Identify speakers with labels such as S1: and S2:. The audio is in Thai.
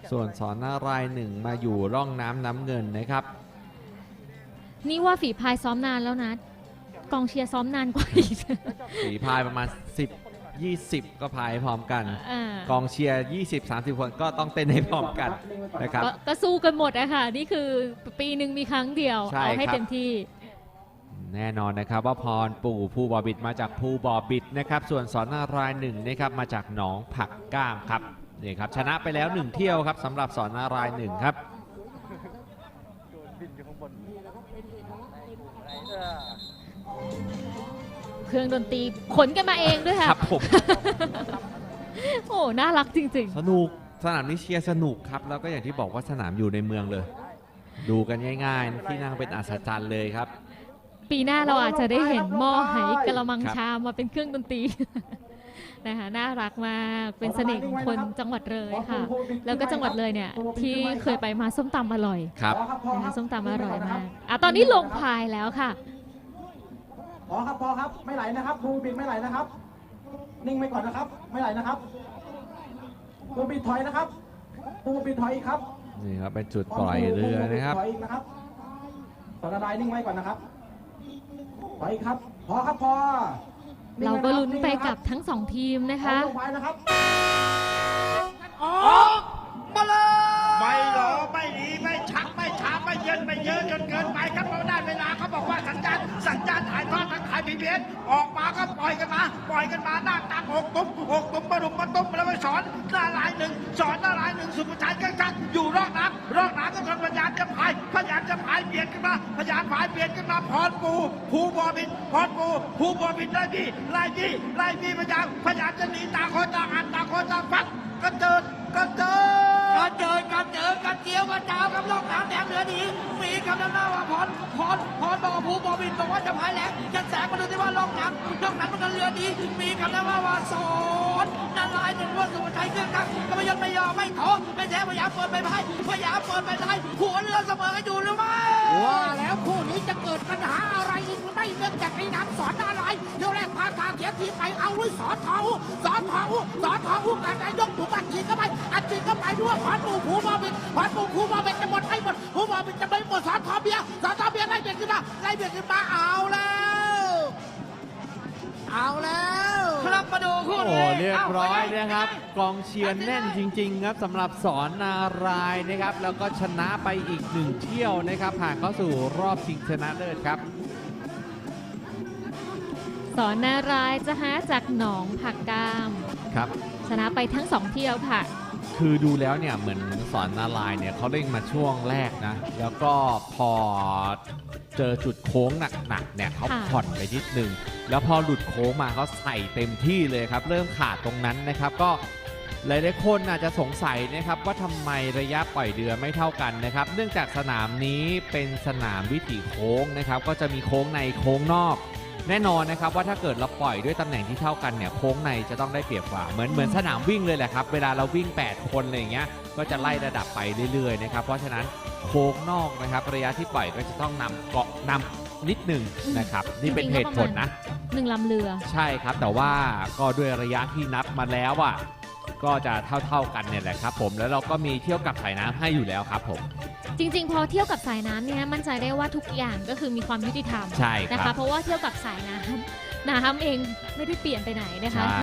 S1: ส่วนสอนนารายณ์หนึ่งมาอยู่ร่องน้ำเงินนะครับ
S2: นี่ว่าฝีพายซ้อมนานแล้วนะกองเชียร์ซ้อมนานกว่าอีก
S1: ฝีพายประมาณ10-20 ก็พายพร้อมกัน กองเชียร์ 20-30 คนก็ต้องเต้นให้พร้อมกันนะครับ
S2: ก็สู้กันหมดอะค่ะนี่คือปีหนึ่งมีครั้งเดียว
S1: ใช่
S2: เอาให้
S1: ครับ
S2: เต็มที่
S1: แน่นอนนะครับว่าพรปู่ภูบ่อบิดมาจากภูบ่อบิดนะครับส่วนสอนนารายณ์หนึ่งนะครับมาจากหนองผักก้ามครับนี่ครับชนะไปแล้ว1เที่ยวครับสำหรับสอนนารายณ์หนึ่งครับ
S2: เครื่องดนตรีขนกันมาเองด้วย
S1: ค
S2: ค่ะ
S1: รับผม
S2: โอ้น่ารักจริง
S1: สนุกสนามนี้เชียร์สนุกครับแล้วก็อย่างที่บอกว่าสนามอยู่ในเมืองเลย ดูกันง่ายๆที่นั่งเป็นอัศจรรย์เลยครับ
S2: ๆ ปีหน้าเราอาจจะได้เห็นหม้อไหกระมัง
S1: ครับ
S2: ชามมาเป็นเครื่องดนตรี นะคะน่ารักมากเป็นเสน่ห์ของคนจังหวัดเลยค่ะ แล้วก็จังหวัดเลยเนี่ยที่เคยไปมาส้มตำอร่อย
S1: ครับ
S2: นะคะส้มตำอร่อยมากตอนนี้ลงพายแล้วค่ะ
S3: พอครับพอครับไม่ไหลนะครับภูบินไม่ไหลนะครับ นิ่งไว้ก่อนนะครับ ไม่ไหลนะครับภูบินถอยนะครับภูบินถอยอีกครับ
S1: นี่ครับเป็นจุดปล่อยเรือนะครับ
S3: ถอยอีกนะครับสอนนารายณ์นิ่งไว้ก่อนนะครับถอยอีกครับพอครับพอ
S2: เราก็ลุ้นไปกับทั้งสองทีมนะคะ
S3: ลงไปนะครับ
S4: ออกมาเลย
S5: ไม่หรอไม่หนีไม่ชักไม่ช้าไม่เย็นไม่เยอะจนเกินไปครับเพราะได้เวลาเขาบอกว่าสัญญาณถ่ายทอดทางขายพีบีเอสออกมาก็ปล่อยกันมาหน้าตามหกตุ้มมาดุมมาตุ้มแล้วไปสอนหน้าลายหนึ่งสุภาชัยกังอยู่รอกน้ำก็กำลังพยายามจะพายเปลี่ยนกันมาพรปูภูบอบินได้ดีไล่ดีพยายามจะหนีต่างคนต่างฟัดก็เจอกันเจียวกันดาวกับลอกน้ำแดงเหนือดีมีคำนำหน้าว่าพรบอกภูบอบินบอกว่าจะพายแรงจะแสงมาดูที่ว่าลอกน้ำมันกันเรือดีมีคำนำหน้าว่าสอนนารายณ์หนึ่งว่าสุภาชัยเครื่องกักก็ไม่ยอมไม่ท้อไม่แท้พยายามเปิดไปพายหัวเรือเสมอกันอยู่หรือไม่
S4: ว่าแล้วคู่นี้จะเกิดปัญหาอะไรอีกหรือไม่เนื่องจากในน้ำสอนอะไรเที่ยวแรกพาทางเขียนทีไปเอาด้วยสอนทองการนายกถูกอัดฉีดเข้าไปด้วยพรปู่ภูบอบินจะหมดไม่หมดภูบอบินจะไม่หมดสอนทองเบียร์ไล่เบียดขึ้นมาเอาแล้วครับมาดูคู่
S1: โอ้
S4: นี้
S1: เรียบร้อยนะครับกองเชียร์แน่นจริงๆครับสำหรับสอนนารายณ์นะครับแล้วก็ชนะไปอีก1เที่ยวนะครับผ่านเข้าสู่รอบชิงชนะเลิศครับ
S2: สอนนารายณ์จะหาจากหนองผักกาม
S1: ครับ
S2: ชนะไปทั้งสองเที่ยวค่ะ
S1: คือดูแล้วเนี่ยเหมือนสอนนารายณ์เนี่ยเขาเร่งมาช่วงแรกนะแล้วก็พอเจอจุดโค้งหนักๆเนี่ยเขา
S2: ค่ะ
S1: ผ่อนไปนิดนึงแล้วพอหลุดโค้งมาเขาใส่เต็มที่เลยครับเริ่มขาดตรงนั้นนะครับก็หลายๆคนอาจจะสงสัยนะครับว่าทำไมระยะปล่อยเรือไม่เท่ากันนะครับเนื่องจากสนามนี้เป็นสนามวิถีโค้งนะครับก็จะมีโค้งในโค้งนอก แน่นอนนะครับว่าถ้าเกิดเราปล่อยด้วยตำแหน่งที่เท่ากันเนี่ยโค้งในจะต้องได้เปรียบกว่าเหมือนสนามวิ่งเลยแหละครับเวลาเราวิ่ง8คนอะไรอย่างเงี้ยก็จะไล่ระดับไปเรื่อยๆนะครับเพราะฉะนั้นโค้งนอกนะครับระยะที่ปล่อยก็จะต้องนำนิดหนึ่งนะครับนี่เป็นเหตุผลนะ
S2: 1 ลำเรือ
S1: ใช่ครับแต่ว่าก็ด้วยระยะที่นับมาแล้วอ่ะก็จะเท่ากันเนี่ยแหละครับผมแล้วเราก็มีเที่ยวกับสายน้ำให้อยู่แล้วครับผม
S2: จริงๆ พอเที่ยวกับสายน้ำเนี่ยมั่นใจได้ว่าทุกอย่างก็คือมีความยุติธรรม
S1: ใช่ครับ
S2: นะคะเพราะว่าเที่ยวกับสายน้ำเองไม่ได้เปลี่ยนไปไหนนะคะ